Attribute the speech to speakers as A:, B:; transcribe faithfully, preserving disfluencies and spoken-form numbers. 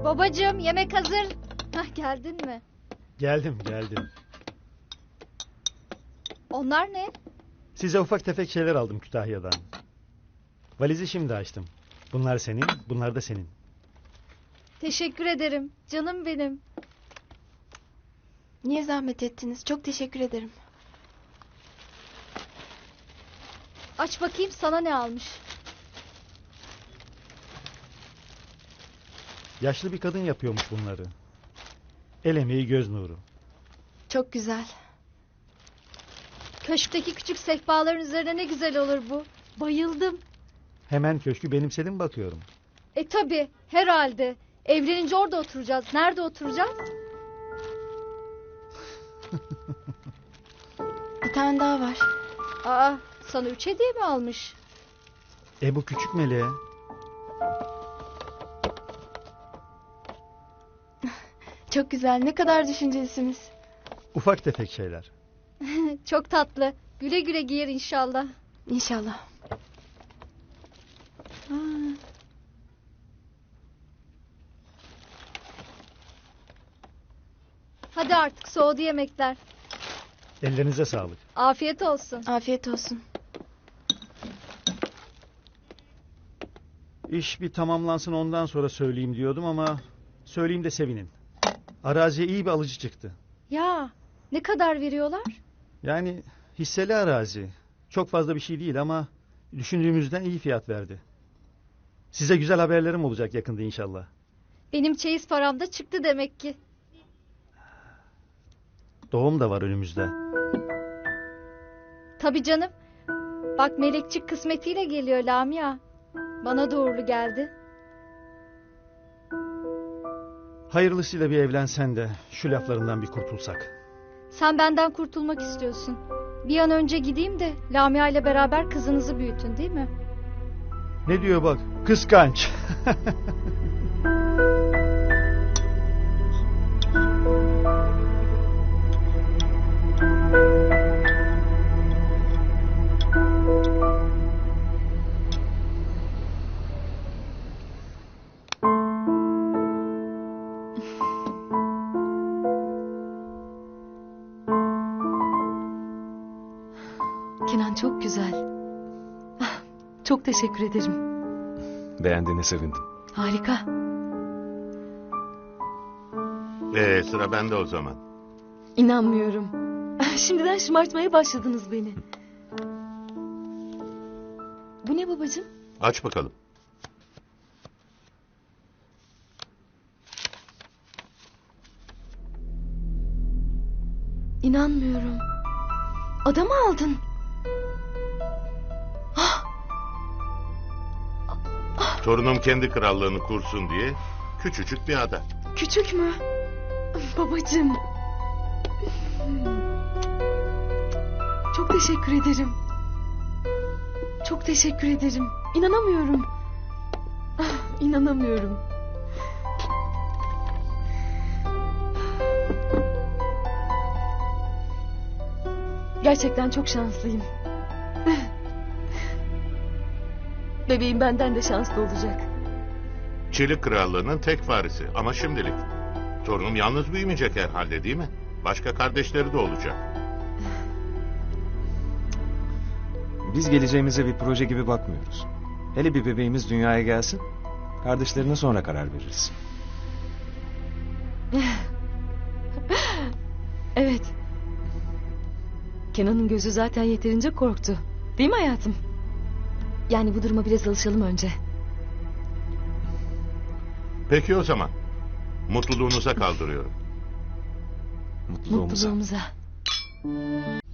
A: Babacığım yemek hazır. Hah, geldin mi?
B: Geldim geldim.
A: Onlar ne?
B: Size ufak tefek şeyler aldım Kütahya'dan. Valizi şimdi açtım. Bunlar senin, bunlar da senin.
A: Teşekkür ederim. Canım benim.
C: Niye zahmet ettiniz? Çok teşekkür ederim.
A: Aç bakayım sana ne almış.
B: Yaşlı bir kadın yapıyormuş bunları. El emeği göz nuru.
C: Çok güzel.
A: Köşkteki küçük sehpaların üzerine ne güzel olur bu. Bayıldım.
B: Hemen köşkü benimsedin bakıyorum.
A: E tabi herhalde. Evlenince orada oturacağız. Nerede oturacağız?
C: Bir tane daha var.
A: Aa, sana üç hediye mi almış?
B: E bu küçük meleğe.
C: Çok güzel. Ne kadar düşüncelisiniz.
B: Ufak tefek şeyler.
A: Çok tatlı. Güle güle giyer inşallah.
C: İnşallah.
A: Ha. Hadi artık soğudu yemekler.
B: Ellerinize sağlık.
A: Afiyet olsun.
C: Afiyet olsun.
B: İş bir tamamlansın ondan sonra söyleyeyim diyordum ama... Söyleyeyim de sevinin. Araziye iyi bir alıcı çıktı.
A: Ya ne kadar veriyorlar?
B: Yani hisseli arazi. Çok fazla bir şey değil ama... Düşündüğümüzden iyi fiyat verdi. Size güzel haberlerim olacak yakında inşallah.
A: Benim çeyiz param da çıktı demek ki.
B: Doğum da var önümüzde.
A: Tabii canım. Bak melekçik kısmetiyle geliyor Lamia. Bana da uğurlu geldi.
B: Hayırlısıyla bir evlensen de şu laflarından bir kurtulsak.
A: Sen benden kurtulmak istiyorsun. Bir an önce gideyim de Lamia ile beraber kızınızı büyütün, değil mi?
B: Ne diyor bak? Kıskanç.
D: Kenan çok güzel. Ah, çok teşekkür ederim.
E: Beğendiğine sevindim.
D: Harika.
F: Ee, sıra bende o zaman.
D: İnanmıyorum. Şimdiden şımartmaya başladınız beni. Bu ne babacığım?
F: Aç bakalım.
D: İnanmıyorum. Adamı aldın.
F: Torunum kendi krallığını kursun diye küçücük bir ada.
D: Küçük mü? Babacığım. Çok teşekkür ederim. Çok teşekkür ederim. İnanamıyorum. Ah, İnanamıyorum. Gerçekten çok şanslıyım. Bebeğim benden de şanslı olacak.
F: Çelik krallığının tek varisi ama şimdilik. Torunum yalnız büyümeyecek herhalde, değil mi? Başka kardeşleri de olacak.
E: Biz geleceğimize bir proje gibi bakmıyoruz. Hele bir bebeğimiz dünyaya gelsin. Kardeşlerine sonra karar veririz.
D: Evet. Kenan'ın gözü zaten yeterince korktu. Değil mi hayatım? Yani bu duruma biraz alışalım önce.
F: Peki o zaman. Mutluluğunuza kaldırıyorum.
E: Mutluluğumuza.
D: Mutluluğumuza.